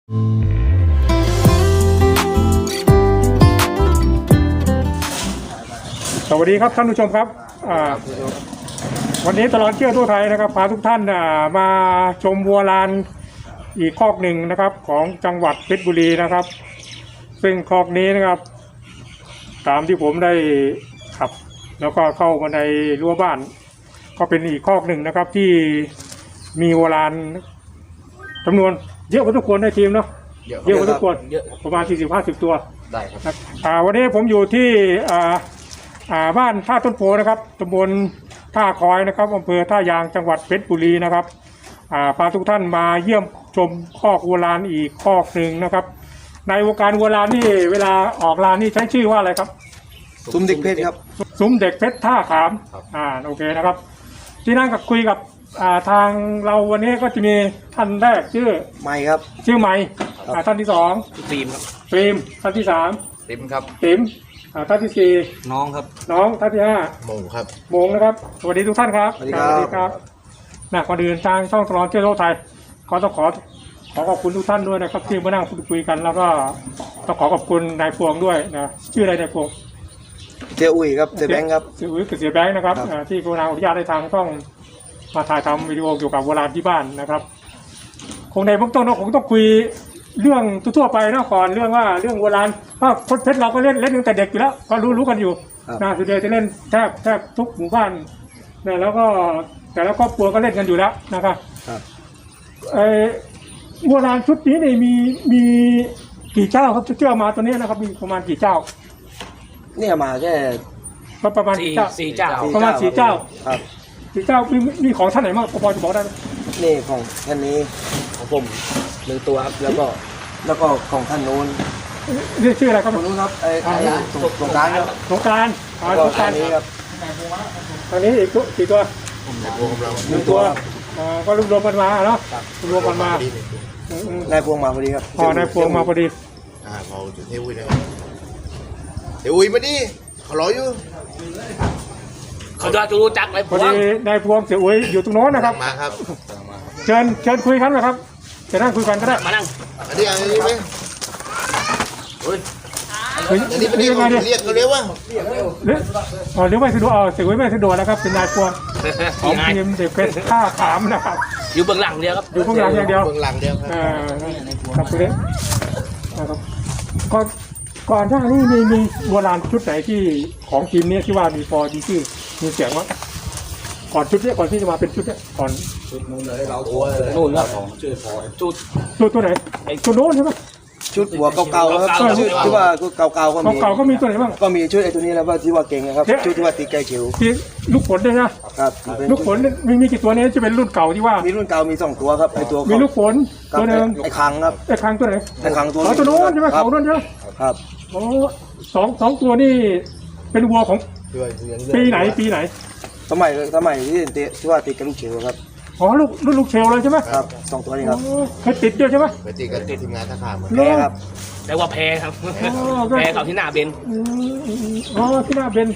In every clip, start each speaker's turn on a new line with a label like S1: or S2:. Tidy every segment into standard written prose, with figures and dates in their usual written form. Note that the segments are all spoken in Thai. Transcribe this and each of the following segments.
S1: สวัสดีครับท่านผู้ชมครับวันนี้ตลอดเที่ยวทั่วไทยนะครับพาทุกท่านมาชมวัวลานอีกคอกหนึ่งนะครับของจังหวัดเพชรบุรีนะครับซึ่งคอกนี้นะครับตามที่ผมได้ขับแล้วก็เข้ามาในรั้วบ้านก็เป็นอีกคอกหนึ่งนะครับที่มีวัวลานจำนวนเยอะกว่าทุกคนในทีมเนาะเยอะกว่าทุกคนประมาณ 40-50 ตัวได้ครับวันนี้ผมอยู่ที่บ้านท่าต้นโพนะครับตำบลท่าคอยนะครับอำเภอท่ายางจังหวัดเพชรบุรีนะครับพาทุกท่านมาเยี่ยมชมคอกวัวลานอีกคอกหนึ่งนะครับในวงการวัวลานนี่เวลาออกลานนี่ใช้ชื่อว่าอะไรครับ
S2: ซุ้มเด็กเพชรครับ
S1: ซุ้มเด็กเพชรท่าขามโอเคนะครับที่นั่งกับคุยกับทางเราวันนี้ก็จะมีท่านแรกชื่อ
S2: ไมครับ
S1: ชื่อไมท่านที่สอง
S3: ฟิล์มครับ
S1: ฟิล์มท่านที่สาม
S3: ติ๋มครับ
S1: ติ๋มท่านที่สี่
S3: น้องครับ
S1: น้องท่านที่ห้า
S3: โมงครับ
S1: โมงนะครับสวัสดีทุกท่านครับ
S2: สวัสดีครับ
S1: ก่อนอื่นทางช่องตลอดเที่ยวโลกไทยก็ต้องขอขอบคุณทุกท่านด้วยนะครับที่มานั่งพูดคุยกันแล้วก็ต้องขอบคุณนายพวงด้วยนะชื่ออะไรนายพวง
S2: เสียอุ้ยครับเสียแบงค์ครับ
S1: เสียอุ้ยกับเสียแบงค์นะครับที่กรุณาอนุญาตให้ทางต้องมาถ่ายทำวิดีโอเกี่ยวกับโบราณที่บ้านนะครับคงในเบื้องต้นเราคงต้องคุยเรื่องทั่วไปนะก่อนเรื่องโบราณเพราะคนเพชรเราก็เล่นตั้งแต่เด็กอยู่แล้วก็รู้กันอยู่นะสุดเดียวจะเล่นแทบทุกหมู่บ้านนะแล้วก็แต่ละครอบครัวก็เล่นกันอยู่แล้วนะครับโบราณชุดนี้นี่มีกี่เจ้าครับเชื่อมาตัวนี้นะครับมีประมาณกี่เจ้า
S2: เนี่ยมาแค่
S1: ประมาณ
S3: 4 เจ้า
S1: ประมาณ4 เจ้า
S2: ครับ
S1: 4 เจ้ามีของท่านไหนบ้างพอจะบอกได้ไหม
S2: นี่ของท่านนี้ของผม1 ตัวครับแล้วก็ของท่านนู้น
S1: นี่ชื่ออะไรครับ
S2: คนนู้นครับสงกรานต์ครับ
S1: สงกรานต์
S2: นี้ครับ
S1: ทางนี้อีกกี่ตัว1 ตัวก็รวมกันมาเนาะรวมกันม
S2: านายพวงมาพอดีครับ
S1: นายพวงมาพอดี
S3: พอจุดเทวุ้ยนะครับเทวุ้ยมาดิเขารออยู่เขาจะรู้จักเลย
S1: พอดีนายพวงเสียอุ้ยอยู่ตรงโน้นนะครับ
S3: มาครับ
S1: เชิญคุยกันนะครับจะนั่งคุยกันก็ได้
S3: มานั่งอันนี้ไหมเฮ้ยอันนี้เป็นเรียกเขาเรียกว่า
S1: เรียกไม่สะดวกเสียอุ้ยไม่สะดวกนะครับเป็นนายพวงของทีมเด็กเพชรท่าขามนะครับ
S3: อยู่เบื้องหลังเดียวครับ
S1: อยู่เบื้องหลังอย่างเดียว
S3: เบื้องหลังเดียว
S1: ครับคุณเล็กนะครับก่อนหน้านี้มีโบราณชุดไหนที่ของทีมนี้ที่ว่ามีพอดีชื่อมีเสียงว่าก่อนชุดนี้ก่อนที่จะมาเป็นชุดนี้ก่อน
S2: ชุดนู้นเลยเราตัวเลยนู้นครับชื่อพอ
S1: ชุดตัวไหนชุดโน้นใช่ไหม
S2: ชุดหัวเก่าๆครับชุดที่ว่าเก่าๆ
S1: ก็มีตัวไหนบ้าง
S2: ก็มีชุดไอ้ตัวนี้แล้วว่าที่ว่าเก่งนะครับชุดที่ว่าตีไก่เขียว
S1: ที่ลูกผลด้วยนะครับลูกผลมีกี่ตัวนี้จะเป็นรุ่นเก่าที่ว่า
S2: มีรุ่นเก่ามี2 ตัวครับไอ้ตัว
S1: มีลูกผลตัวนึง
S2: ไอ้คังครับ
S1: ไอ้คังตัวไหน
S2: ไอ้คังตัว
S1: ตัวโน้นใช่ไหมเขาโน้นใช่ไหม
S2: ครับ
S1: โอ้สองตัวนี่เป็นวัวของปีไหน
S2: สมัยที่ว่าติดกับลูกเชลครับ
S1: ลูกเชลเลยใช่ไหม
S2: ครับ2 ตัวนี้ครับ
S1: เคยติดด้วยใช่ไหม
S3: เคยติดกันทีมงานท่าขาม
S2: แพ้ครับ
S3: แต่ว่าแพ้ครับแพ้เขาที่หน้าเบน
S1: ที่หน้าเบน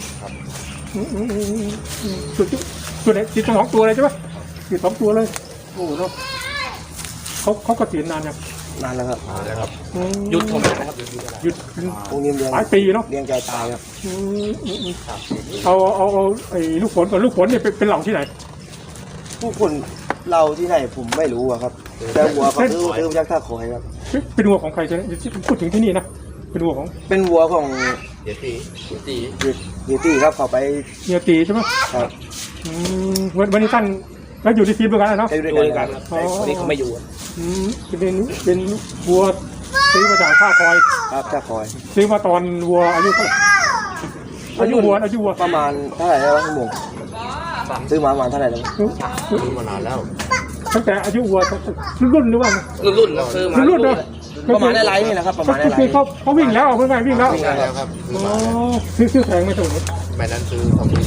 S1: ตัวไหนติด2 ตัวเลยใช่ไหมติด2 ตัวเลยโอ้โหเขาก็ติดนานยัง
S2: นานแล้วครับ
S3: หยุดผมนะครับ
S1: หยุด
S2: พวกนี้
S1: หลายปีเนาะ
S2: เลี้ยงใจตายครับ
S1: เอาไอ้ลูกผลก่อนลูกผลเนี่ยเป็นเหล่าที่ไหน
S2: ผู้คนเราที่ไหนผมไม่รู้ครับแต่วัวเขาซื้อมาจากท่าคอยครับ
S1: เป็นวัวของใครจะพูดถึงที่นี่นะเป็นวัวของ
S3: เย
S2: ตีครับเขาไป
S1: เยตีใช่ไหม
S2: ครับ
S1: วันนี้ท่านแล้วอยู่ที่ทีมด้วยกันเนาะ
S3: ด้วยกันวันนี้เขาไม่อยู่
S1: เป็นวัวซื้อมาจากท่าคอย
S2: ครับท่าคอย
S1: ซื้อมาตอนวัวอายุเท่าไหร่อายุวัว
S2: ประมาณเท่าไหร่แล้วพี่หมงซื้อมาประมาณเท่าไหร่แล้ว
S3: ซื้อมานานแล้ว
S1: ตั้งแต่อายุวัวรุ่นหรือว่า
S3: รุ่นเราซื้อมา
S1: รุ่นเนาะ
S2: ประมาณไรนี่นะครับประมาณไร
S1: เขาวิ่งแล้วเมื่อไงวิ่งแล้ว
S3: ครับ
S1: ซื้อแพงไหมตัวนี้
S3: ใบนั้นซื้อ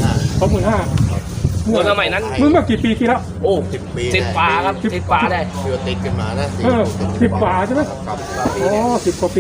S3: 25,000เมื่อสมัยนั้น
S1: เมื่อกี่ปีที่แล้ว
S3: โอ้10 ปี10 ป่าครับ10 ป่าได้เดือติดกันมานะ
S1: 10 ป่าใช่ไหมอ๋อ10 กว่าปี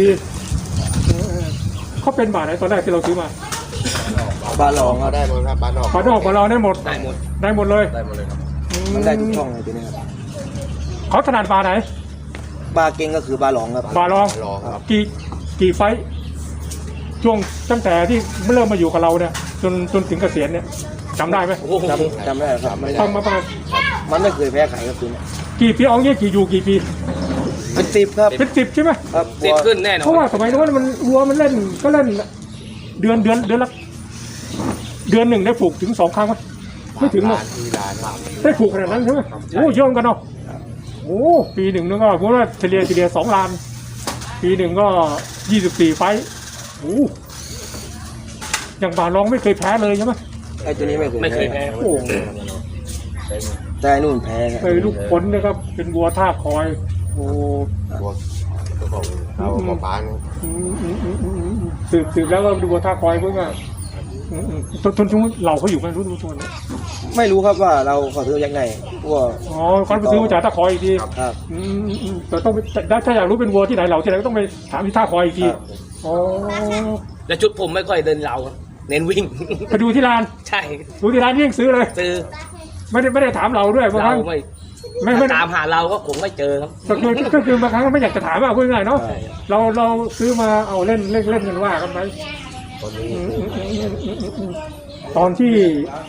S1: เขาเป็นบาทไหนตอนแรกที่เราซื้อมา
S2: บาลอง
S3: ได้หมดครับบาลอง
S1: ได้หมดเลย
S2: ครับมันได้ทุกช่องเลยทีนี้ครับ
S1: เขาถนัดบาไหน
S2: บาเก่งก็คือบาหลองครับ
S1: บาลอง
S3: รอครับ
S1: กี่ไฟท์ช่วงตั้งแต่ที่เริ่มมาอยู่กับเราเนี่ยจนถึงเกษียณเนี่ยจำได้ไหม
S4: โอ้โห
S2: จำได้ครับ
S1: ต้องมาประมาณ
S2: มันไม่เคยแพ้ใครครับตัวเนี้ย
S1: กี่ปีเอาเงี้ยกี่ปี
S2: เป็น10ครับ
S1: เป็น10ใช่ไหม
S2: ครับ
S4: ติดขึ้นแน่นอ
S1: เพราะ
S4: น
S1: ว่าสมัยนู้นมันวัวมันเล่นก็เล่นเดือนละเดือนหนึ่งได้ผูกถึง2 ครั้งไหมไม่ถึงหรอก
S3: ที่ร้านครับ
S1: ได้ผูกขนาดนั้นใช่ไหมโอ้เยอะเหมือนกันเนาะโอ้ปีหนึ่งนึงก็ผมว่าเฉลี่ย2 ล้าน ปีหนึ่งก็24 ไฟท์โอ้อย่างบาลองไม่เคยแพ้เลยใช่ไหม
S2: ไอ้ตัวนี้ไม่เคย
S4: ไม่เคยแพ้
S1: โอ้
S2: แต่ไอ้นู่นแพ้ครับ
S1: เคยลูกผลนะครับเป็นวัวท่าคอยโอ้
S3: พวกเจ้าของเอาหมอปลาเนี่ย
S1: สืบแล้วก็ดูวัวท่าคอยเพื่อนก็ทนเราเขาอยู่กันรู้ตัวเนี่ย
S2: ไม่รู้ครับว่าเราขอซื้อยังไงว่า
S1: อ๋อเขาไปซื้อมาจากท่าคอยอีกที
S2: ครับ
S1: แต่ต้องไปถ้าอยากรู้เป็นวัวที่ไหนเราที่ไหนก็ต้องไปถามที่ท่าคอยอีกทีอ๋อ
S4: และชุดผมไม่ค่อยเดินเราครับเน้นวิ่ง
S1: ไปดูที่ร้าน
S4: ใช่
S1: ดูที่ร้านยิ่งซื้อเลย
S4: ซื้อ
S1: ไม่ได้ถามเราด้วยบางค
S4: เรา
S1: รั้ง
S4: ไม่
S1: ไม่
S4: ตามหาเราก็คงไม่เจอครับ
S1: ก็คือบางครั้งไม่อยากจะถามว่าพูดง่ายๆเนาะเราซื้อมาเอาเล่นกันว่ากันไป
S3: ตอนนี้
S1: ตอนที่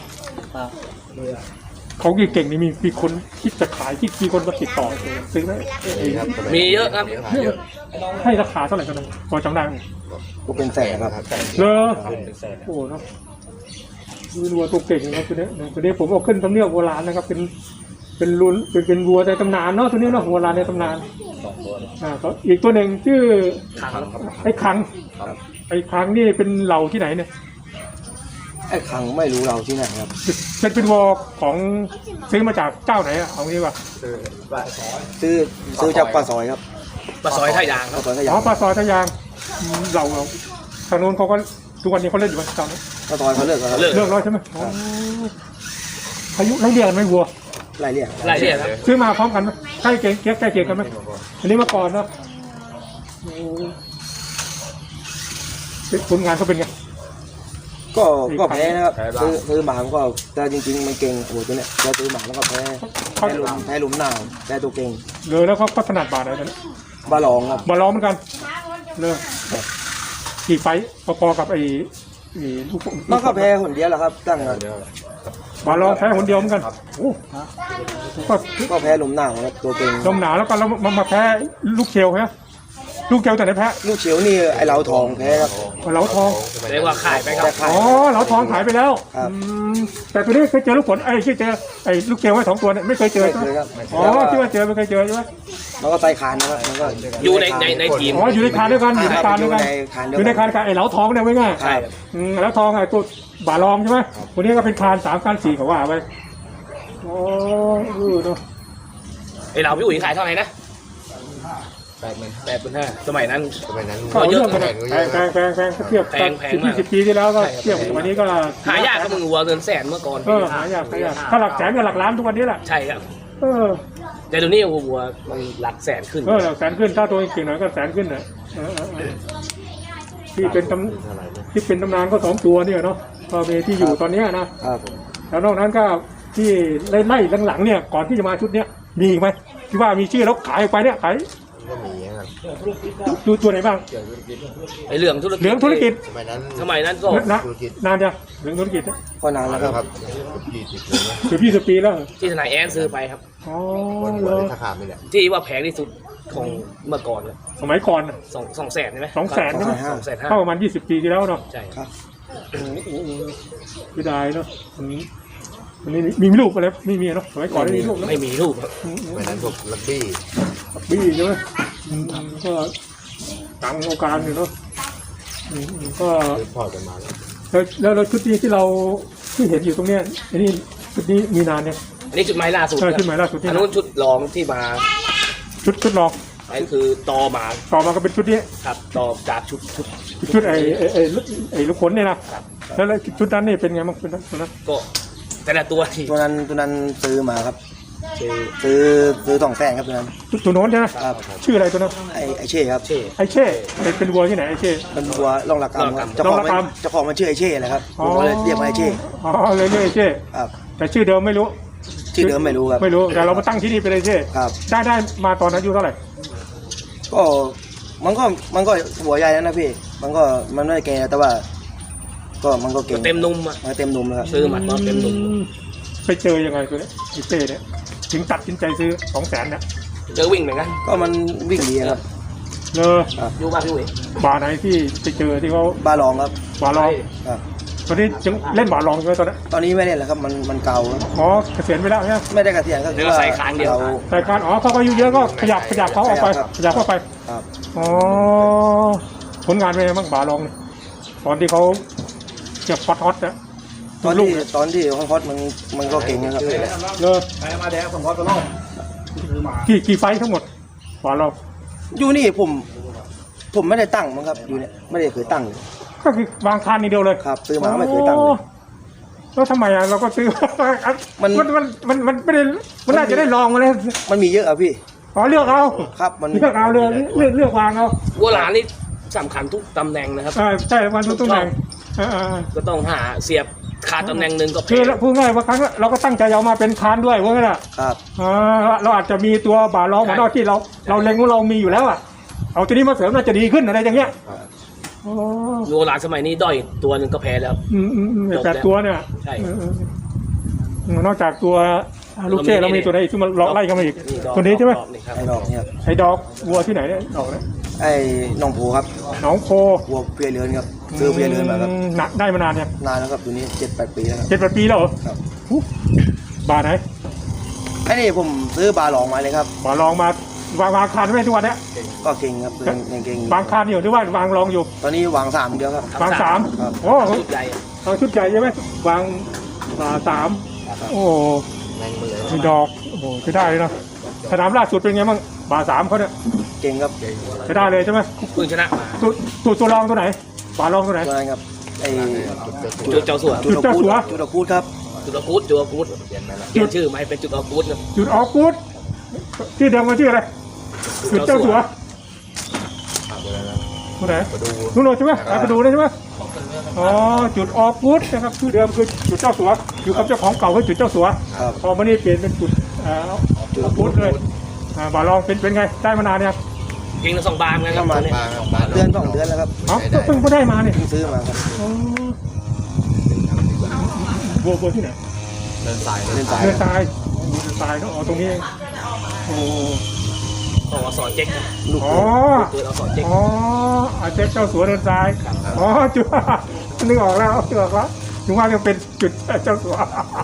S1: เขาเก่งๆนี่มีคนคิดจะขายที่มีคนมาติดต่อซื้อไหม
S4: มีเยอะครับ
S3: เยอะ
S1: ให้ราคาเท่าไหร่กันนะพอจำได้ไหม
S2: ก็เป็นแสนครับ
S1: เลอโอ้เนาะดูวัวตัวเก่งนะครับตัวนี้ผมเอาขึ้นตำเนียบโบราณนะครับเป็นรุ่นเป็นวัวในตำนานเนาะตัวนี้เนาะโบราณในตำนานก็อีกตัวหนึ่งชื่อ
S4: ขัง
S1: ไอ้คังไอ้คังนี่เป็นเหล่าที่ไหนเนี่ย
S2: ไอ้ขังไม่รู้เราที่ไหนครับ
S1: เป็นวัวของซื้อมาจากเจ้าไหนอะเอางี้ป่ะ
S2: ซื้อจากปลาซอยครับ
S4: ปลาซอยท่ายางค
S2: ป
S4: รั
S2: ลา
S4: บ
S2: ซอยขยะ
S1: อ๋อปลาซอยทะยางเราทางโน้นเขาก็ทุกวันนี้เขาเล่นอยู่ไหมตอนนี้
S2: ปลาซอยเขาเลิกแล้วครับ
S4: เลิก
S1: เลิกแล้วใช่ไหมอ๋ออายุไล่เรียกกันไหมวัว
S2: ไล่เรียก
S4: รายละเอียดครับ
S1: ซื้อมาพร้อมกันไหมใกล้เคียงกันไหมอันนี้มาก่อนเนาะโอ้ผลงานเขาเป็นไง
S2: ก็แพ้นะครับซื้อหมามันก็แต่จริงๆมันเก่งโอ้ตัวเนี้ยเราซื้อหมาแล้วก็แพ้หลุมหนาวแพ้ตัวเก่ง
S1: เลยแล้วเขาถนัดบาทไหนเนี่ย
S2: บาหลองครับ
S1: มาล้อมเหมือนกันเลยกี่ไฟต์พอๆกับไอ้ลูก
S2: มันก็แพ้คนเดียวแหละครับตั้งแต่
S1: มาลองแพ้คนเดียวเหมือนกันโอ้ก็
S2: ก็แพ้หลุมหนาวครับตัวเก่ง
S1: ลมหนาวแล้วก็แล้วมาแพ้ลูกเชลใช่ไหมลูกเชลแต่ไหนแพ้
S2: ลูกเฉียวนี่ไอ้เหลาทองแพ้ครับ
S1: เหลาทอง
S4: เรียกว่าขายไปครั
S2: แต่
S4: บ
S2: ขาย
S1: อ๋อเหลาทองขายไปแล้ว
S2: ครับ
S1: แต่ตัวนี้เคยเจอลูกผลเคยเจอไอ้ลูกเชลไว้2 ตัวเนี่ยไม่เคยเจอ
S2: ไม่
S1: ใช่ไห
S2: เค
S1: ม
S2: ยครับ
S1: อ๋อที่ว่าเจอไม่เคยเจอใช่ไหม
S2: มันก็ไตคานนะครับมันก็
S4: อยู่ในทีม
S1: อ๋ออยู่ในคานด้วยกันอยู่ในคานด้วยกัน อยู่ในคานกับไอ้เหลาทองเนี่ยไว้ง่าย
S4: ใช่ครับ
S1: เหลาทองไอ้ตัวบาลองใช่ไหมตัวนี้ก็เป็นคาน3 คาน 4เขาว่าไปอ๋อเนาะ
S4: ไอเราพี่อุ๋ยขายเท่าไหร่นะ85,000สมัยนั้น
S3: สมัยนั้น
S1: ก็เรื่องกัน
S3: แพ
S1: แพงเทียบ
S4: แพง
S1: 10 ปีที่แล้วก็เทียบกับวันนี้ก็
S4: หายากก็มึงวัวเงินแสนเมื่อก่อน
S1: หายากถ้าหลักแสนกับหลักล้านทุกวันนี้แหละ
S4: ใช่ครับ
S1: เออ
S4: แต่เดี๋ยวนี้วัวมันหลักแสนขึ้น
S1: หลักแสนขึ้นถ้าตัวเก่งหน่อยก็แสนขึ้นนะที่เป็นตำนานก็2 ตัวเนี่ยเนาะก็มีที่อยู่ตอนนี้นะครับ
S2: ผม
S1: แล้วนอกนั้นก็ที่ไล่หลังๆเนี่ยก่อนที่จะมาชุดเนี้ยมีอีกไหมที่ว่ามีชื่อแล้วขายออกไปเนี่ยขาย
S3: ก็มีครับ
S1: ดูตัวไหนบ้าง
S4: ไอเรื่องธุรกิจ
S1: เหลืองธุรกิจ
S3: สมัยนั้น
S4: สมัยนั้นก็
S1: นานยังเหลืองธุรกิจ
S2: ก็นานแล้วครับ
S3: ครับ20 เลยนะ
S1: เกือบ20 ปีแล้ว
S4: ที่ทนายแอนซื้อไปครับ
S1: อ๋อ
S3: วัน
S1: เหรอ
S3: ถ้าขาดไม่แหละ
S4: ที่ว่าแพงที่สุดของเมื่อก่อนเลย
S1: สมัยก่อน
S4: สองแสนใช่ไหม
S1: 200,000ใช่ไหม
S4: 250,000
S1: เข้าประมาณ20 ปีที่แล้วเนาะ
S4: ใช่
S2: ครับ
S1: ไม่ได้เนาะวันนี้มีลูกอะไรไม่มีเนาะสมัยก่อนไม่มีลูกเนาะ
S4: ไม่มีรูปครับ
S3: สมัยนั้นพวกลักบี้
S1: บี้ใช่ไหมก็ต่างโอกาสอยู่เนาะก็
S3: ซื้อพอร์ตกันมาแล้ว
S1: แล้วชุดนี้ที่เราที่เห็นอยู่ตรงเนี้ยอันนี้ชุดนี้มีนานเนี่ย
S4: อันนี้ชุดไม้ล่าสุด
S1: ชุดใหม่ล่าสุดที่
S4: อันนู้นชุดรองที่มา
S1: ชุดลอง
S4: อันนี้คือตอมา
S1: ต่อมาก็เป็นชุดนี้
S4: ครับตอจากชุด
S1: ชุดไอ้ลูกขนเนี่ยนะแล้วชุดนั้นนี่เป็นไงบ้างชุดนั้น
S4: ก็แต่ละตัวที่
S2: ตัวนั้นซื้อมาครับ
S4: คือ
S2: ซื้อ200,000ครับตัวนั้น
S1: ตัวโน้นใช่ไหม
S2: ครับ
S1: ชื่ออะไรตัวนั้น
S2: ไอ้เช่ครับ
S4: เช่
S1: ไอเช่เป็นวัวที่ไหนไอเช่
S2: เป็นวัวล่องระกำครับเจ้า
S1: ล่
S2: ข
S1: อ
S2: อง ง
S1: ระ
S2: มัน
S1: กำ
S2: เจ้าของมันชื่อไอ้เช่แหละครับผมก็เลยเรียกมันไอ้เช่
S1: อ๋อเลยเรียกไอเช่
S2: ครับ
S1: แต่ชื่อเดิมไม่รู้
S2: ชื่อเดิมไม่รู้ครับ
S1: ไม่รู้แต่เรามาตั้งที่นี่เป็นไอเช่
S2: ครับ
S1: ได้มาตอนอายุเท่าไหร่
S2: ก็มันก็หัวใหญ่แล้วนะพี่มันไม่ได้แก่แต่ว่าก็มันก็เก่ง
S4: เต็มนุ่มอ่ะ
S2: เต็มนุ่มแล้วครับ
S4: ซื้อมาตอนเต็มนุ่ม
S1: ไปเจอยังไงตัวเนี้ยไอ้เป้เนี่ยถึงตัดสินใจซื้อ200,000เนี่ย
S4: เจอวิ่งเหมือนกัน
S2: ก็มันวิ่งดีครับ
S1: เลย
S4: อยู่บ้านพี่อุ๋ย
S1: บาร์ไหนที่ไปเจอที่เขา
S2: บาลองครับ
S1: บาร์ลอง
S2: ครับ
S1: ตอนนี้ยังเล่นบาร์ลองอยู่ไหมตอนนั้น
S2: ตอนนี้ไม่เล่นแล้วครับมันเก่าครับ
S1: อ๋อเกษียณไปแล้วใช่ไหม
S2: ไม่ได้เกษียณก็คือว่า
S1: แต่การอ๋อเขาก็อายุเยอะก็ขยับเขาออกไปขยับเข้าไป
S2: ครับ
S1: อ๋อผลงานเป็นไงบ้างบาร์ลองเนี่ยตอนที่เขาเจ็บฮอตๆนะ
S2: ตอนที่ฮอตมันก็เก่งนะครับ
S1: เลย
S3: มาแดงผมพอตัวน้อง
S1: กี่ไฟท์ทั้งหมดบาร์ลอง
S2: อยู่นี่ผมไม่ได้ตั้งมั้งครับอยู่เนี่ยไม่ได้เคยตั้ง
S1: ก็คือวางคานนี่เดียวเลย
S2: ครับซื้อมาไม่เคยตั้งเลย
S1: แล้วทำไมอ่ะเราก็ซื้อ
S2: มัน
S1: มันไม่ได้มันน่าจะได้ลองมาเลย
S2: มันมีเยอะอะพี่
S1: อ๋อเลือกเอา
S2: ครับมัน
S1: เลือกเอาเลือกวางเอา
S4: วัวหลานนี่สำคัญทุกตำแหน่งนะครับ
S1: ใช่วันทุกตำแหน่ง
S4: ก็ต้องหาเสียบขาดตำแหน่งหนึ่งก็
S1: คือพูดง่ายว่าครั้งเราก็ตั้งใจเอามาเป็นคานด้วยว่าไงล่ะ
S2: ครับ
S1: เราอาจจะมีตัวบาร์ลองของเราที่เราเล็งว่าเรามีอยู่แล้วอ่ะเอาตัวนี้มาเสริมน่าจะดีขึ้นอะไรอย่างเงี้ย
S4: วัวหลานสมัยนี้ด้อยตัวหนึ่งก็แพ้แล้ว
S1: แต่ตัวเนี่ย
S4: ใช่
S1: นอกจากตัวลูกเจ้เรามีตัวไหนอีกที่มันไล่กันมาอีกตัวนี้ใช่ไหม
S2: ไอ้ดอกเนี่ย
S1: ไอ้ดอกวัวที่ไหนเนี่ยดอกเนี่ย
S2: ไอ้น้องผูครับ
S1: หนองโพ
S2: วัวเพียเรือนครับซื้อเพียเรือนมาครับ
S1: หนักได้มานานเนี่ย
S2: นานแล้วครับตัวนี้7-8 ปีแล้วครับ
S1: 7-8 ปีแล้วเหรอ
S2: ครับ
S1: บาร์ไหน
S2: ไอ้นี่ผมซื้อบาลองมาเลยครับ
S1: บาร์ลองมาวางคานไว้ทุกวันเนี้ย
S2: ก็เก่งครับเก่ง
S1: วางคานอยู่หรือว่าวางรองอยู่
S2: ตอนนี้วาง3เดียวครับ
S1: วางสาม
S2: ครับ
S1: โอ้
S4: ชุดใหญ่
S1: เอาชุดใหญ่ใช่ไหมวางสามโอ้มีดอกโอ้โหใช้ได้เลยเนาะสนามล่าสุดเป็นไงบ้างบาร์สามเขาเนี่ย
S2: เก่งครับ
S1: ใช้ได้เลยใช่ไหม
S4: เพิ่งชนะมา
S1: ตัวรองตัวไหนบาร์รองตัวไหน
S2: ตัวนั้นครับไอ้
S4: จุดเจ้าสัว
S1: จุดเจ้าสัว
S2: จุดคูดครับ
S4: จุดอากูดจุดอากูดเปลี่ยนชื่อไหมเป็นจุดอากูดครับ
S1: จุดออกกูดชื่อเดิมมันชื่ออะไรจุดเจ้าสัวตัวไหนนู่นใช่ไหมไปดูได้ใช่ไหมอ๋อจุดออกกูดนะครับชื่อเดิมคือจุดเจ้าสัวอยู่กับเจ้าของเก่าคือจุดเจ้าสัว
S2: ครับ
S1: พอมานี่เปลี่ยนเป็นจุดจุดออกกูดเลยบาร์รองเป็นไงได้มานานเนี่ย
S4: เก่งทั้งสองบานกันค
S2: ป
S4: รับ
S2: ระมาณ
S4: นี้
S2: เดือน2 เดือนแล้วครับ
S1: เอ้าก็เพิ่งได้มาเนี่ย
S2: เพิ่งซื้อมาครับ
S1: บัวที่ไหน
S3: เดินสาย
S2: เดินสาย
S1: เดินทรายเดินทรายเนาะอ๋อตรงนี้เองโอ้
S4: ต้องเอาสอนเจ๊กครับ
S2: ลูก
S1: อ๋อ
S4: เกิดเอาสอนเจ๊ก
S1: อ๋ออาเจ๊เจ้าสัวเดินทรายอ๋อจุดนึกออกแล้วนึกออกแล้วถึงว่ายังเป็นจุดเจ้าสัว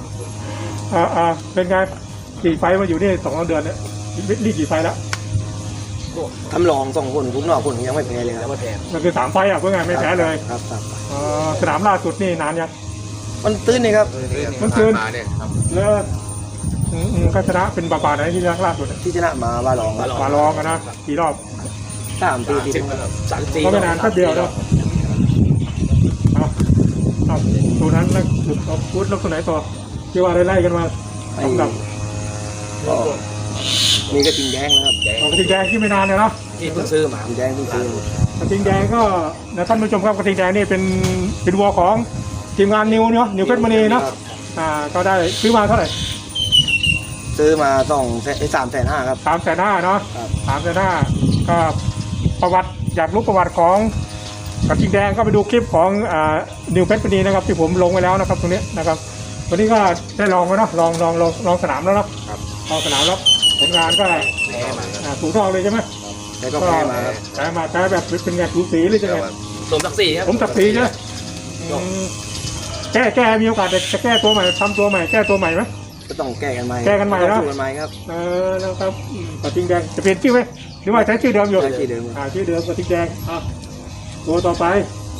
S1: เป็นไงกี่ไฟมาอยู่นี่2 เดือนเนี่ยนี่กี่ไฟแล้ว
S2: ทำลอง2 คนผมนอกคนยังไม่แพ้เลยค
S4: แล้
S2: รั
S4: ว
S2: บ
S4: มาแทน
S1: มันคือ3 ไฟอ่ะเพื่อไงไม่แพ้เลย
S2: ครับ
S1: สนามล่าสุดนี่นานยัง
S2: มันตื้นนี่ครับ
S1: มันคืน
S3: มาเนี่ยครับ
S1: เลิกก็ชนะเป็นบาไหนที่ล่าสุด
S2: ที่ชนะมาบาลองครับ
S1: บาลองกันนะกี่รอบ
S2: 3 ปีที่
S1: ก็ไม่นานแป๊บเดียวเนาะเอาตัวนั้นนะจุดออกพุทธแล้วตัวไหนต่อที่ว่าไล่กันมา
S2: ไอ้
S1: สำหรับ
S2: ก็มีกระทิงแดงนะครับ
S1: กระทิงแดงที่ไม่นานเลยเนาะ
S4: ที่เพิ่งซื้อมาก
S2: ระทิงแดงที่ซื้อก
S1: ระทิงแดงก็นะท่านผู้ชมครับกระทิงแดงนี่เป็นวัวของทีมงานนิวเนาะนิวเพชรมณีเนาะก็ได้ซื้อมาเท่าไหร่
S2: ซื้อมา3,500,000ครับ
S1: 350,000เนาะ
S2: ครับ
S1: 350,000ก็ประวัติอยากรู้ประวัติของกระทิงแดงก็ไปดูคลิปของนิวเพชรมณีนะครับที่ผมลงไว้แล้วนะครับตรงนี้นะครับวันนี้ก็ได้ลองไว้เนาะลองสนามแล้วเนาะลองสนามแล้วผลงานก็
S4: แพ้มา
S1: ถูกต้องเลยใช่ไหม
S2: แต่ก็แพ้มาครับ
S1: แพ้แบบเป็นไงสูสีหรือจะไง
S4: สมศักดิ์ศรีครับ
S1: ผมตัดสีใช่ไหมแก้มีโอกาสจะแก้ตัวใหม่ทำตัวใหม่แก้ตัวใหม่ไหม
S2: ก็ต้องแก้กันใหม่
S1: แก้กันใหม่นะ
S2: สู้กันใหม่ครับ
S1: แล้วครับกระทิงแดงจะเปลี่ยนชื่อไหมหรือว่าใช้ชื่อเดิมอยู่
S2: ใช้ชื่อเดิม
S1: ชื่อเดิมกระทิงแดงตัวต่อไป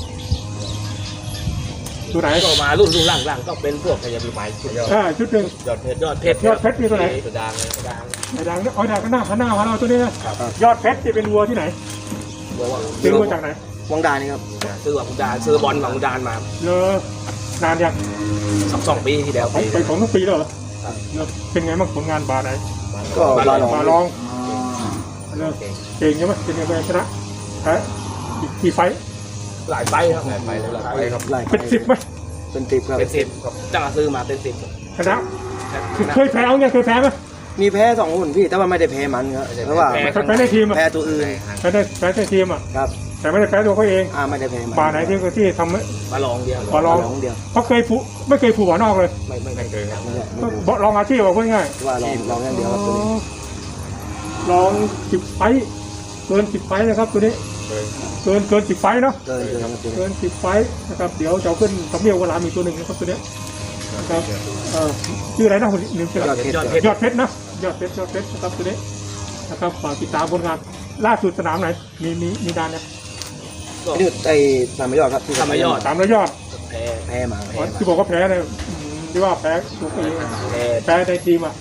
S1: ตัวไหน
S4: ก็มารุ่นหลังก็เป็นพวกพยาบาลชุด
S1: ชุดหนึ่ง
S4: ยอดเพชร
S1: ยอดเพชรมีตัวไหน
S4: ตัวดังดัง
S1: ไอ้ดังเนี่ยดังก็หน้ามาเราตัวนี้นะยอดเพชรจะเป็นวัวที่ไหน
S4: บอกว่า
S1: ซื้อมาจากไหน
S2: วังดานี่ครับ
S4: ซื้อว่าคุณดาซื้อบอลของคุณดานมา
S1: นานยัง
S4: 2 ปีที่แล้ว
S1: ไปของทุกปีแล้วเหรอเป็นไงบ้างผลงานบาร์ไหน
S2: ก็บาลอง
S1: มาลองเก่งใช่ไหมเป็นยังไงชนะกี่ไฟ
S4: หลายไฟครับ
S3: ไปเลยไปครับ
S2: ไล่
S1: เป็น10ไหม
S2: เป็น10ครับ
S4: เป็น10จ้าซื้อมาเป็น10
S1: ชนะเคยแพ้เอาไงเคยแพ้ไหม
S2: มีแพ้2 หุ่นพี่แต่ว่าไม่ได้แพ้มันครับเพราะว่า
S1: แพ้ในทีมอ่ะ
S2: แพ้ตัวอื่น
S1: แพ้ในทีมอ่ะ
S2: ครับ
S1: แต่ไม่ได้แพ้ตัวเขาเอง
S2: ไม่ได้แพ้มัน
S1: บาไหนที่ทำ
S4: มาลองเดียว
S1: บาลอง
S2: ลองเดียว
S1: เขาไม่เคยผูกหัวนอกเลย
S4: ไม่เคยครับ
S2: ไม่ใช่ไม่ถูก
S1: ลองอาชีพเอาพูดง่าย
S2: ว่าลองอย่างเดียวครับตัวนี้
S1: ลอง10 ไฟต์เกิน10 ไฟต์นะครับตัวนี้เกิน10 ไฟต์เนาะ
S2: เกินครับตัวนี้
S1: เกิน10 ไฟต์นะครับเดี๋ยวจะเอาขึ้นสำเนียงเวลามีตัวหนึ่งนะครับตัวนี้นะครับชื่ออะไรนะคุณลืมชื่ออะไร
S2: ยอดเพชร
S1: ยอดเพชรนะยอดเพชรนะครับตัวนี้นะครับฝากติดตามผลงานล่าสุดสนามไหนมีดานเนี่ย
S2: นี่ไอ้สามยอดครับที่
S4: ทำมายอด
S1: 300 ยอด
S4: แพ้
S2: แพ้มา
S1: ที่บอกว่าแพ้เนี่ยที่ว่าแพ้ตัวเอง
S4: แพ้
S1: แพ้ในทีมอ่ะ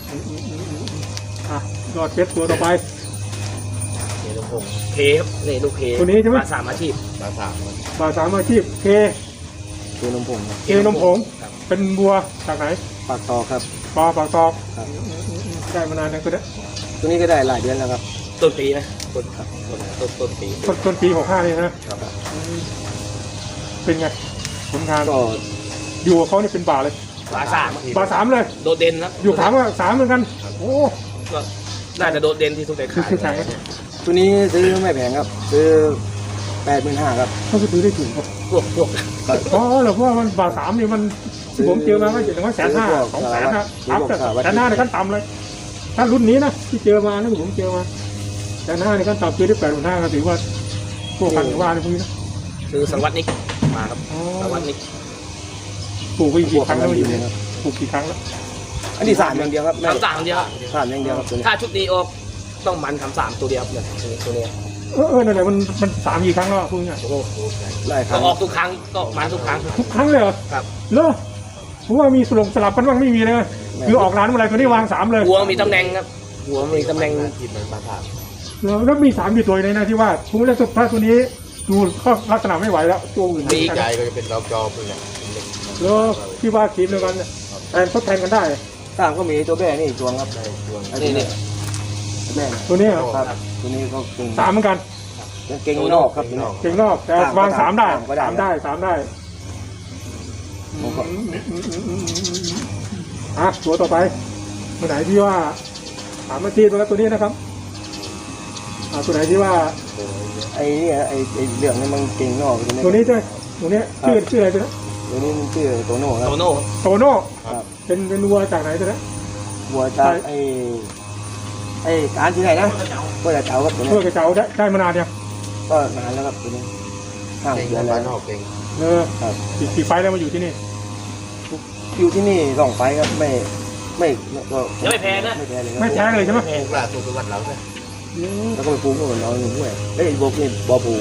S1: ยอดเพชรตัวต่อไป
S4: เดี๋ยวผมเคครับนี่ลูกเค
S1: ตัวนี้ใช่ไหม
S4: มา3 อาชีพ
S3: มาถาม
S1: บาสามอาชีพเค
S2: ตัวนมผง
S1: นมผงเป็นบัวจากไหน
S2: ปากตอครับ
S1: ปากตอก
S2: ครับ
S1: ได้มานานแล้วก็ได้
S2: ตัวนี้ก็ได้หลายเดือนแล้วครับ
S4: ต้นปีนะต้นปี
S1: ต้นปี65นี่นะเป็นไงผลงาน
S2: ก็
S1: อยู่กับเขานี่เป็นบาเลย
S4: บา3
S1: บาสามเลย
S4: โดดเด่นครับ
S1: อยู่ถามว่า3เหมือนกันโอ้
S4: ก็น่าจะโดดเด่นที่สุดใน
S1: คือ
S4: ขาย
S1: คือแข่ง
S2: ตัวนี้ซื้อไม่แพงครับซื้อ85,000ครับ
S1: เขาซื้อได้ถึงป่ะ
S4: พวก
S1: อ๋อเหรอเพราะว่ามันบาสามนี่มันผมเจอมาก็อย่างน้อย150,000 200,000นะอัพแต่150,000ในขั้นต่ำเลยถ้ารุ่นนี้นะที่เจอมานะผมเจอมา150,000ในขั้นต่ำซื้อได้85,000ก็ถือว่าพวกกันว่าในพวกนี้นะ
S4: คือสังวัตนิกมาครับสังวัตนิก
S1: ปลูกไปกี่ครั้งแล้วอยู่เนี่ยปลูกกี่ครั้งแล้ว
S2: อันนี้3อย่างเดียวครับไม่
S4: ทำ3เดียว
S2: 3อย่างเดียวครับตัวนี้
S4: ถ้าชุดนี้ออกต้องมันทำ3ตัวเดียวเนี่ยตัวนี้
S1: นั่นแหละมัน3 กี่ครั้งแล้วพูดง่าย
S4: โอ้โห
S2: หลายค
S4: ก็
S2: รั้ง
S4: ออกทุกครั้งก็มันทุกครั้ง
S1: ทุกครั้งเลยเหรอ
S4: ครับ
S1: เหรอผมว่ามีสลับกันบ้างไม่มีเลยคือออกร้านเมื่อไรตัวนี้วาง3เลย
S4: หัวมีตำแหน่งครับหัวมีตำแหน่ง
S3: ทีมมาถาม
S1: แล้วมี3กี่ตัวในนะที่ว่าผมเล่นถ้าตัวนี้ดูก็ลักษณะไม่ไหวแล้วตัวอื่น
S3: ใจก็จะเป็นดอกจอเป็นแหละ
S1: แล้วที่ว่าทีมเดียวกันแทนทดแทนกันได้
S2: ตามก็มีตัวแบ่นี่อีกตัวครับ อันนี้นี่แบ่
S1: ตัวนี้
S2: ครับตัวนี้ก็เก่ง
S1: 3เหมือนกัน
S2: เก่งนอกครับตัวนี้
S1: เก่งนอกแต่วาง3ได้3ได้3ได้
S2: ผมก็
S1: ตัวต่อไปตัวไหนที่ว่า3 นาทีตัวนี้นะครับตัวไหนที่ว่า
S2: ไอ้นี่ไอ้เหลืองนี่มันเก่งนอก
S1: ตัวนี้ใช่ตัวนี้ชื่ออะไรตัวนี้
S2: ตัวนี้มันชื่อโตโน่ครับ
S4: โตโน่
S1: โตโน่
S2: ครับ
S1: เป็นวัวจากไหนตัวนี้
S2: บัวจากไอ้การที่ไหนนะก็จะเจ้าครับตัวนี้
S1: เพื่อกระเจ้าได้มานานยัง
S2: ก็นานแล้วครับตัวนี้5
S3: เก่ง
S2: เดือน
S3: บ้า
S2: แล้
S3: น
S2: วน
S3: อกเก่ง
S2: ครับ
S1: กี่ไฟแล้วมาอยู่ที่นี่
S2: อยู่ที่นี่2 ไฟครับไม่ก็
S4: ยังไม่แพ้นะ
S2: ไม่แพ้เลย
S1: ไม่แพ้เลยใช่ไหม
S3: ถูกล่าตัวเป็นวัดเราเนี่ย
S2: แล้วก็ไปปูก็เหมือนเราหนึ่งห้วยแล้วอีกบกนี่บ่อปู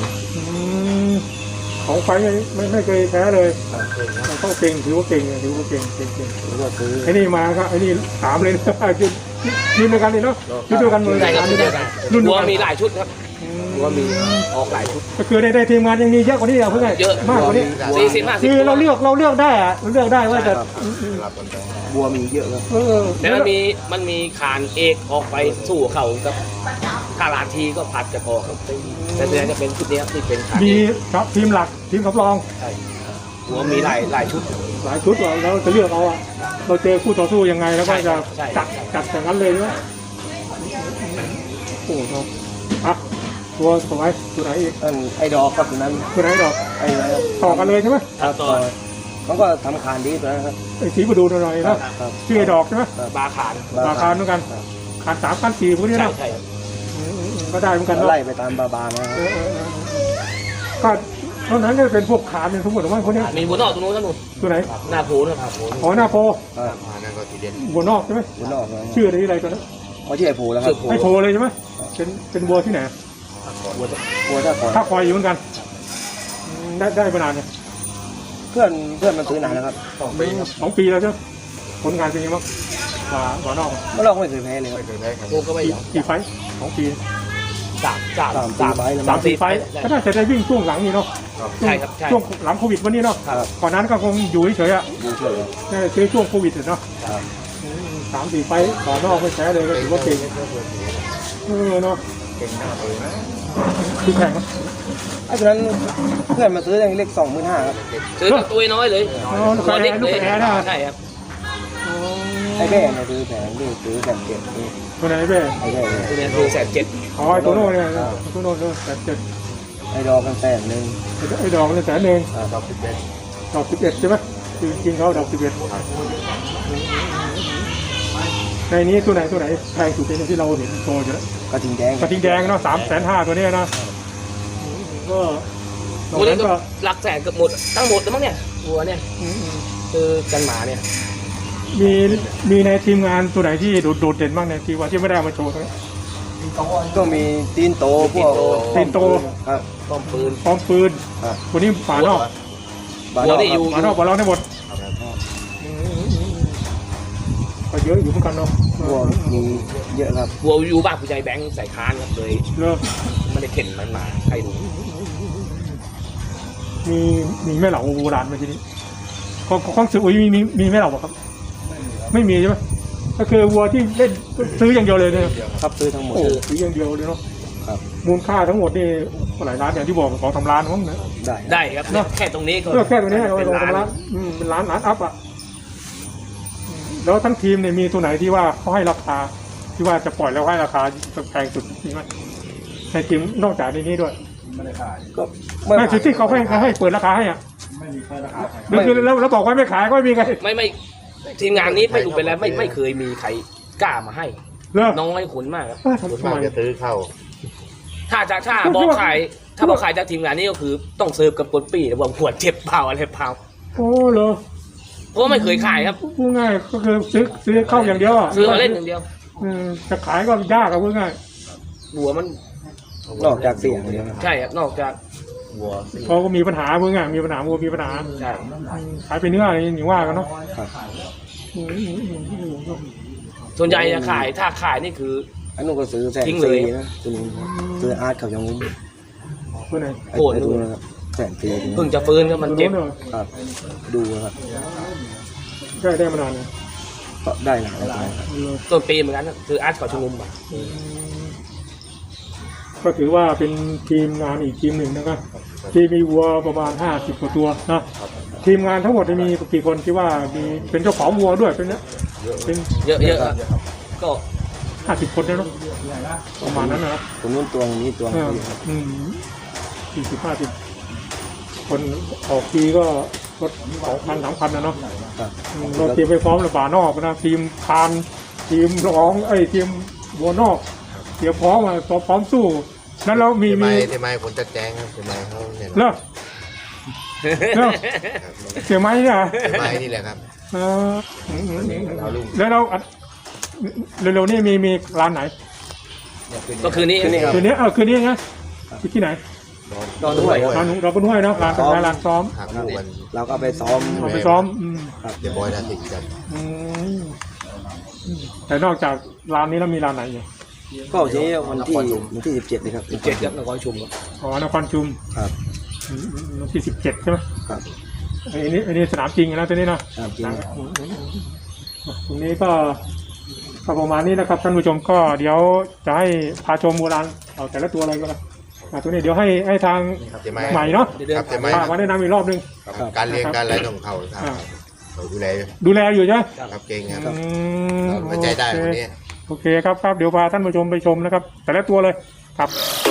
S1: ของไฟไม่เคยแพ้เลย
S3: เก่งนะ
S1: ต้องเก่งถือว่าเก่งเก่ง
S2: แล้วก็ซื้อ
S1: ไอ้นี่มาก็ไอ้นี่3เลยนะยืนด้วยกันเลยเนาะยืนด้วยกันเลย
S4: ใช่ครับรุ่นหัวมีหลายชุดครับหัวมีออกหลายชุด
S1: ก็คือได้ทีมงานยังมีเยอะกว่านี้เพื่อน
S4: เยอะ
S1: มากกว่านี้
S4: 40-50
S1: คือเราเลือกได้อะเราเลือกได้ว่าจะ
S3: รับกันไป
S2: บัวมีเยอะครับ
S4: แต่มันมีขานเอกออกไปสู่เขากับถ้าลานทีก็ผัดกันออกครับแต่เดือนจะเป็นชุดนี้ที่เป็นขาน
S1: มี
S4: เอก
S1: ครับทีมหลักทีมสำรอง
S4: ใช่หัวมีหลายชุด
S1: หลายชุดเราจะเลือกเอาอะเราเจอคู่ต่อสู้ยังไงแล้วก็จะจัดอย่างนั้นเลยใช่ไหมโอ้โหอ่ะตัวสวยตัวไหนอีก
S2: ไอ้ดอกครับตัวนั้น
S1: ตัวไหนดอก
S2: ไอ้อะไรครับ
S1: ต่อกันเลยใช่ไหม
S4: ต่อ
S2: เขาก็ทำคานดีตัวนั้นครับ
S1: ไอ้สีประดูหน่อยๆนะครับ ชื่อไอ้ดอกใช่ไหม
S4: บาขาน
S1: ราคาเหมือนกันขาน3 ขาน 4พวกนี้
S4: ใช่
S1: นะ
S4: ใช่ครับ
S1: ก็ได้เหมือนกัน
S2: ก็
S1: เนาะ
S2: ไล่ไปตามบาๆนะครับ
S1: ก็เท่านั้นก็เป็นพวกขานเป็นทั้งหมดหรือว่าพวกนี้
S4: มีหัวนอกตรงนู้นท่านนู้น
S1: ตัวไหน
S4: หน้าโพนะครับ
S1: อ๋อหน้าโพ
S2: ครับ
S3: มานั่นก็ทีเด็ด
S1: บัวนอกใช่ไหม
S2: หัวนอกนะ
S1: ชื่ออะไรตัวนั้น
S2: เขาชื่อไอ้โพแล้วครับ
S1: ไอ้โพเลยใช่ไหมเป็นบัวที่ไหน
S2: บัวท่าคอย
S1: ถ้าคอยอยู่เหมือนกันได้มานานเนี่ย
S2: เพื่อนมันซื้อนานแล้วครับ
S1: 2 ปีแล้วใช่ไหมผลงานเป็นยังไงบ้างบัวนอก
S2: ไม่ลองไม่เคยแพ้เลยครับ
S3: ไม่เคยแพ้ใคร
S4: โพก็ไม่ยอม
S1: กี่ไฟต์2 ปี
S2: 3-4
S1: ไฟต์ก็น่าจะได้วิ่งช่วงหลังนี่เนาะ
S4: ใช่ครับใช่
S1: ช่วงหลังโควิดวันนี้เนาะ
S2: ครับ
S1: ก่อนนั้นก็คงอยู่เฉยๆอ่ะ
S2: ดูเฉยครับ
S1: น่าจะเจอช่วงโควิดเนาะ
S2: ครับ
S1: 3-4 ไฟต์ต่อนอกไม่แพ้เลยก็ถือว่าเก่งเนาะ
S3: เก่งมากเลยนะ
S1: คือแข่งนะ
S2: ไอ้ตัวนั้นเพื่อนมาซื้ออย่างเล็ก25,000ครับ
S4: ซื้อตัวน้อยเลย
S1: ลูกแอร์นะ
S4: ใช่ครับ
S1: อ๋อ
S2: ไอ้แบ่เนี่ยซื้อแผงนี่ซื้อแบบเจ็ดนี่
S1: ตัวไหนเบ้
S2: ไอ้แบ่เนี่ย
S4: ตัวนี้คือ170,000
S1: อ๋อไอ้ตัวโน้นเนี่ยตัวโน้นเลย170,000
S2: ไอ้ดอกกันแสนหนึ่ง
S1: ไอ้ดอกมัน100,000
S3: ดอก11
S1: ดอก11ใช่ไหมคือจริงเขาดอก11ในนี้ตัวไหนแพงสุดในที่เราเห็นโชว์อยู่แล้ว
S2: กระทิงแดง
S1: กระทิงแดงเนาะ350,000ตัวเนี้ยนะก็ตรง
S4: ตัวนี้
S1: นั้น
S4: ก็
S1: ก็
S4: หลักแสนเกือบหมดทั้งหมดแล้วมั้งเนี่ยวัวเนี่ยคือกันหมาเนี่ย
S1: มีในทีมงานตัวไหนที่โดดเด่นบ้างในที่ว่าที่ไม่ได้เอามาโชว์ตรงนี้
S2: ก็มีตีนโตพวก
S1: ตีนโต
S2: ครับ
S4: ป้อมปืน
S1: พร้อมปืน
S2: ครับ
S1: ตัวนี้ฝานอก
S2: บา
S4: หัว
S2: ดอก
S4: นี่อยู่
S1: ฝานอกฝาเราได้หมดก็เยอะอยู่เหมือนกันเนาะ
S2: พวกมีเยอะครับ
S4: วัวอยู่บ้านผู้ใหญ่แบงค์ใส่คานครับเลย
S1: เลิก
S4: ไม่ได้เข็นมันมาใครรู้
S1: มีแม่เหล่าโบราณไหมทีนี้ของซื้ออุ้ยมีแม่เหล่าป่ะครับ ไม่มีใช่ไหมก็คือวัวที่เล่นซื้ออย่างเดียวเลยเนี่ย
S2: ครับซื้อทั้งหมด
S1: โอ้ซื้ออย่างเดียวเลยเนาะ
S2: ครับ
S1: มูลค่าทั้งหมดนี่หลายล้านอย่างที่บอก2-3 ล้านมั้งนะ
S2: ได้
S4: ได้ครับเนี่ยแค่ตรงนี้ก็
S1: เลือกแค่ตัวนี้เรา
S4: เป็น
S1: 2-3 ล้านเป็นล้านอัพอ่ะแล้วทั้งทีมเนี่ยมีตัวไหนที่ว่าเขาให้ราคาที่ว่าจะปล่อยแล้วให้ราคาแพงสุดจริงไหมในทีมนอกจากในนี้ด้วย
S2: ก็
S1: ไม่คือที่เขาให้เปิดราคาให้อ่ะไม่คือแล้วบอกว่าไม่ขายก็ไม่มีใคร
S4: ไม่ทีมงานนี้ไม่รู้ไปแล้วไม่เคยมีใครกล้ามาให้
S1: เลิก
S4: น้อยขุนมากครับ
S1: ทำ
S3: ส่วน
S1: ไม
S3: มากจะซื้อเข้า
S4: ถ้าบอกขายถ้าบอกขายจากทีมงานนี้ก็คือต้องเซิร์ฟกับคนปีว่าขวดเจ็บเปล่าอะไรเปล่า
S1: โอ้เหรอ
S4: เพราะว่าไม่เคยขายครับ
S1: พูดง่ายก็คือซื้อเข้าอย่างเดียวอ่ะ
S4: ซื้อมาเล่นอย่างเดียว
S1: จะขายก็ยากอะพูดง่าย
S4: หัวมัน
S2: นอกจากเสียงเดียวครับ
S4: ใช่ครับนอกจาก
S3: วัว
S1: เขาก็มีปัญหาพูดง่ายมีปัญหาวัวมีปัญหา
S4: ใช่
S1: ขายไปเนื้ออะไรอย่างว่ากันเนาะ
S2: ครับ
S4: ส่วนใหญ่จะขายถ้าขายนี่คือ
S2: อันนู้นก็ซื้อแสน
S4: ทิ้งเลย
S2: สี่นะตัวนี้ซื้ออาร์ตเขายังงุ้ม
S1: ตัวไหน
S2: ไอ้ตัวนะครับแสนสี่
S4: เพิ่งจะฟื้นครับมันเจ็บ
S1: ตัวโ
S2: ครับดูครับ
S1: ได้มานานเลย
S2: ก็ได้หลายรายครับ
S4: ต้นปีเหมือนกันครับคืออาร์ตเกาะชุมนุมอะ
S1: ก็ถือว่าเป็นทีมงานอีกทีมหนึ่งนะครับที่มีวัวประมาณ50 กว่าตัวนะทีมงานทั้งหมดมีกี่คนที่ว่ามีเป็นเจ้าของวัวด้วยเป็นเนี้ยเป็น
S4: เยอะๆครับก็
S1: 50 คนเนี่ยเนาะประมาณนั้นนะครับ
S2: ตรงนู้นตัวนี้ตัวนี้ครับ
S1: 40-50 คนออกทีก็2,000-3,000นะเนาะ
S2: ครับ
S1: เราเตรียมไปพร้อมเลยป่านอกนะทีมพานทีมร้องทีมวัวนอกเตรียมพร้อมมาพร้อมสู้นั้นเรามี
S3: ทำไมคนจะแจ้งครับทำไมเขาเนี่ย
S1: เลิกเลิกเสียไหมเนี่ย
S3: ทำไมนี่แหละครับ
S1: แล้วเราเร็วๆนี่มีร้านไหน
S4: ก็คือนี่
S2: คืนนี้ครับ
S1: คืนนี้คืนนี้ไงที่ไหน
S2: ดอนด้วย
S1: ร้านเราก็ด้วยนะร้านซ้อม
S3: หักลูกวัน
S2: เราก็ไปซ้อม
S1: เอาไปซ้อม
S3: เดี๋ยวบอยนาติดกัน
S1: แต่นอกจากร้านนี้แล้วมีร้านไหนอยู่
S2: ก็ทีนี้วันที่17เลยครับ
S4: 17ครับนครชุมครับ
S1: อ๋อนครชุม
S2: ครับ
S1: วันที่17ใช่ไหม
S2: ครับ
S1: อันนี้สนามจริงนะตัวนี้นะ
S2: จริงครับ
S1: ตรงนี้ก็ประมาณนี้นะครับท่านผู้ชมก็เดี๋ยวจะให้พาชมโบราณเอาแต่ละตัวอะไรก็ได้ตัวนี้เดี๋ยวให้ทาง
S3: เดี๋ยวไม่
S1: ใหม่เนาะ
S3: ครับเดี๋ยวไม่
S1: พามาแนะนำอีกรอบนึง
S3: การเลี้ยงการอะไรของเขาครับเขาดูแล
S1: ดูแลอยู่ใช่ไหม
S3: ครับเก่งครับ
S1: อืม
S3: ไว้ใจได้คนนี้
S1: โอเคครับเดี๋ยวพาท่านผู้ชมไปชมนะครับ แต่ละตัวเลยครับ